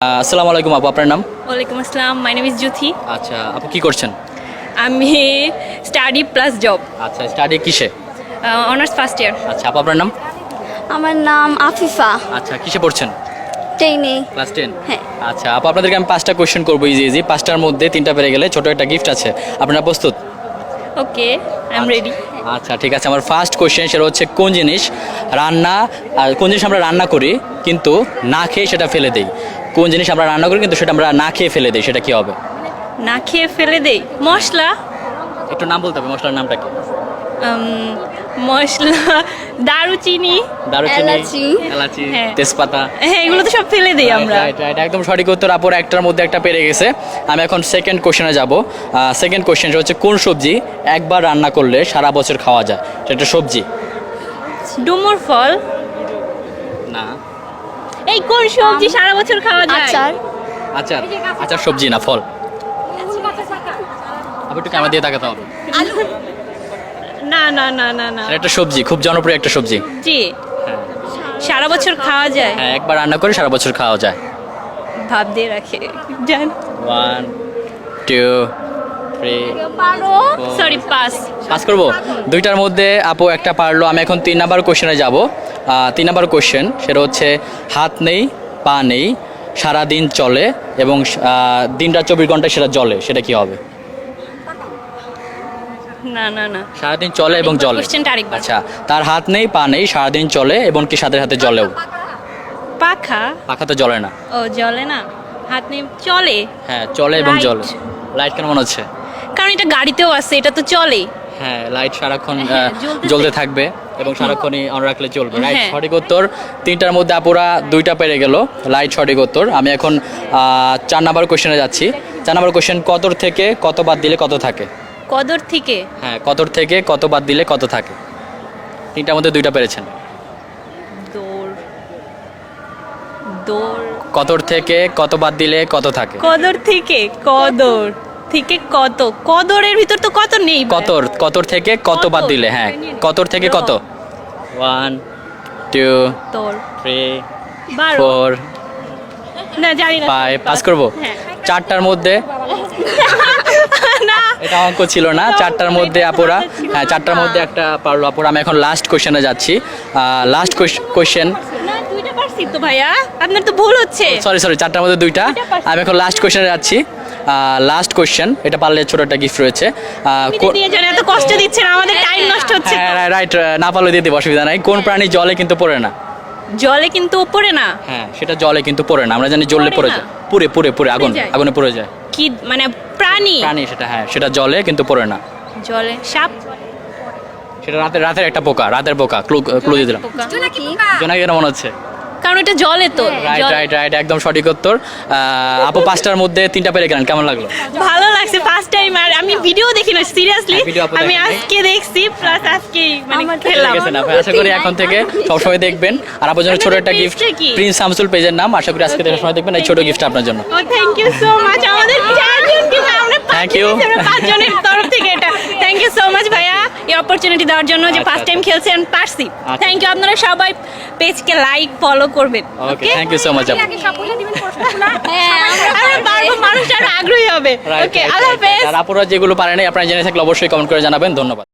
আসসালামু আলাইকুম আপু, আপনার নাম? ওয়ালাইকুম আসসালাম, মাই নেম ইজ জুথি। আচ্ছা আপু, কি করছেন? আমি স্টাডি প্লাস জব, আচ্ছা, স্টাডি কিসে? Honours first year. আচ্ছা আপু, আপনার নাম? আমার নাম আফিফা। আচ্ছা, কিসে পড়ছেন? টেনে। ক্লাস 10। হ্যাঁ। আচ্ছা আপু, আপনাদেরকে আমি 5টা কোয়েশ্চেন করবো, ইজি। 5টার মধ্যে 3টা পেরে গেলে ছোট একটা গিফট আছে। আপনারা প্রস্তুত? Okay, I am ready. আচ্ছা ঠিক আছে, আমার ফার্স্ট কোয়েশ্চেন সেটা হচ্ছে কোন জিনিস আমরা রান্না করি কিন্তু না খেয়ে সেটা ফেলে দেই? কোন জিনিস আমরা রান্না করি কিন্তু সেটা আমরা না খেয়ে ফেলে দেই, সেটা কি হবে? না খেয়ে ফেলে দেই? মশলা। একটু নাম বলতে হবে, মশলার নামটা কি? মশলা, দারুচিনি। এলাচি। এলাচি, হ্যাঁ। তেজপাতা। হ্যাঁ, এগুলো তো সব ফেলে দেই আমরা। রাইট, একদম সঠিক উত্তর। আপুর একটার মধ্যে একটা পেরে গেছে। আমি এখন সেকেন্ড কোশ্চেনে যাব। সেকেন্ড কোশ্চেন হচ্ছে কোন সবজি একবার রান্না করলে সারা বছর খাওয়া যায়? সেটা সবজি। ডুমুর ফল। না। এই কোন সবজি সারা বছর খাওয়া যায়? আচার। আচার? আচার সবজি না, ফল। আপু একটু ক্যামেরা দিয়ে তাকাতে হবে। না না না না না। এটা একটা সবজি, খুব জনপ্রিয় একটা সবজি। জি, সারা বছর খাওয়া যায়। হ্যাঁ, একবার রান্না করে সারা বছর খাওয়া যায়। ভাব দিয়ে রাখে জান। 1 2 3 সরি, পাস। পাস করবো। দুইটার মধ্যে আপু একটা পারলো। আমি এখন 3 নাম্বার কোশ্চেনে যাব। 3 নাম্বার কোশ্চেন সেটা হচ্ছে হাত নেই, পা নেই, সারাদিন চলে এবং দিনটা 24 ঘন্টায় সেটা জ্বলে, সেটা কি হবে? না না না, সারাদিন চলে এবং জ্বলে। কোশ্চেনটা আরেকবার। আচ্ছা, তার হাত নেই, পা নেই, সারাদিন চলে এবং কি সাথে সাথে জ্বলেও। পাখা। পাখা তো জ্বলে না। ও, জ্বলে না। হাত নেই, চলে। হ্যাঁ, চলে এবং Light. জ্বলে। লাইট কেন মনে হচ্ছে? কারণ এটা গাড়িতেও আছে, এটা তো চলে। হ্যাঁ, লাইট সারাক্ষণ হ্যাঁ, জ্বলতেছে। জ্বলতে থাকবে এবং সারাক্ষণই অন রাখলে চলবে। রাইট, হ্যাঁ। সঠিক উত্তর। 3টার মধ্যে আপুরা 2টা পেরে গেল। লাইট সঠিক উত্তর। আমি এখন 4 নাম্বার কোশ্চেনে যাচ্ছি। 4 নাম্বার কোশ্চেন, কতর থেকে কত বাদ দিলে কত থাকে? কদর থেকে। হ্যাঁ, কতর থেকে কত বাদ দিলে কত থাকে? 3টার মধ্যে 2টা পেরেছেন। দৌড়। দৌড়। কতর থেকে কত বাদ দিলে কত থাকে? কদর থেকে কদর থেকে কত? কদরের ভিতর তো কত নেই ভাই। কতর থেকে কত বাদ দিলে, হ্যাঁ, কতর থেকে কত? 1 2 তোর 3 12। 4 না, জানি না। 5 পাস করবো। হ্যাঁ। 4টার মধ্যে না, এটা অঙ্ক ছিল না। 4টার মধ্যে আপুরা, হ্যাঁ, 4টার মধ্যে একটা পারলো আপুরা। আমি এখন লাস্ট কোশ্চেনে যাচ্ছি। লাস্ট কোশ্চেন, না, দুইটা পারছি তো ভাইয়া, আপনার তো ভুল হচ্ছে। সরি 4টার মধ্যে 2টা। পারছি। আমি এখন লাস্ট কোশ্চেনে যাচ্ছি। লাস্ট কোশ্চেন, এটা পারলে ছোট একটা গিফট রয়েছে। আপনি দিয়ে যান, এত কষ্ট দিচ্ছেন, আমাদের টাইম নষ্ট হচ্ছে। হ্যাঁ রাইট, না পারলে দিয়ে দেবো, অসুবিধা নাই। কোন প্রাণী জলে কিন্তু পড়ে না? জলে কিন্তু উপরে না। হ্যাঁ, সেটা জলে কিন্তু পড়ে না। আমরা জানি জ্বললে পড়ে পড়ে না। যায়, পুরে যায়। আগুনে পড়ে যায়। কি মানে প্রাণী? প্রাণী সেটা, হ্যাঁ, সেটা জলে কিন্তু পড়ে না। জলে সাপ। সেটা রাতের একটা পোকা, রাতের পোকা। ক্লু দিয়ে দিলাম। পোকা। জোনাকি কেন মনে হচ্ছে? কারণ এটা জলে তো। রাইট, একদম সঠিক উত্তর। আপু 5টার মধ্যে 3টা পেরে গেলেন, কেমন লাগলো? ভালো লাগছে, ফার্স্ট টাইম। আর আমি ভিডিও দেখি না, সিরিয়াসলি। হ্যাঁ, video আপু আমি দেখেন নাই। আজকে দেখছি, প্লাস আজকে মানে আমার খেললাম। ঠিক আছে না ভাই, আশা করি এখন থেকে সবসময় দেখবেন। আর আপনার জন্য ছোট একটা আপনাদের গিফট, page টা কি? প্রিন্স শামসুল পেজের নাম। আশা করি আজকে থেকে সবসময় দেখবেন এই ছোট গিফট আপনার জন্য। ও, থ্যাংক ইউ সো মাচ। আমাদের 4 জন আমরা Thank you. 5 জনের তরফ থেকে এটা। থ্যাংক ইউ সো মাচ ভাইয়া, এই অপরচুনিটি দেওয়ার জন্য, যে আচ্ছা, ফার্স্ট টাইম খেলছেন, পারছি। আচ্ছা। Thank you. আপনারা সবাই পেজকে লাইক, ফলো করবেন। Okay, thank you so much আপু। আমরা পারবো, মানুষ আরো আগ্রহী হবে। ওকে, আল্লাহ হাফেজ। আর আপুরা যেগুলো পারে নাই আপনারা জেনে থাকলে অবশ্যই কমেন্ট করে জানাবেন। ধন্যবাদ।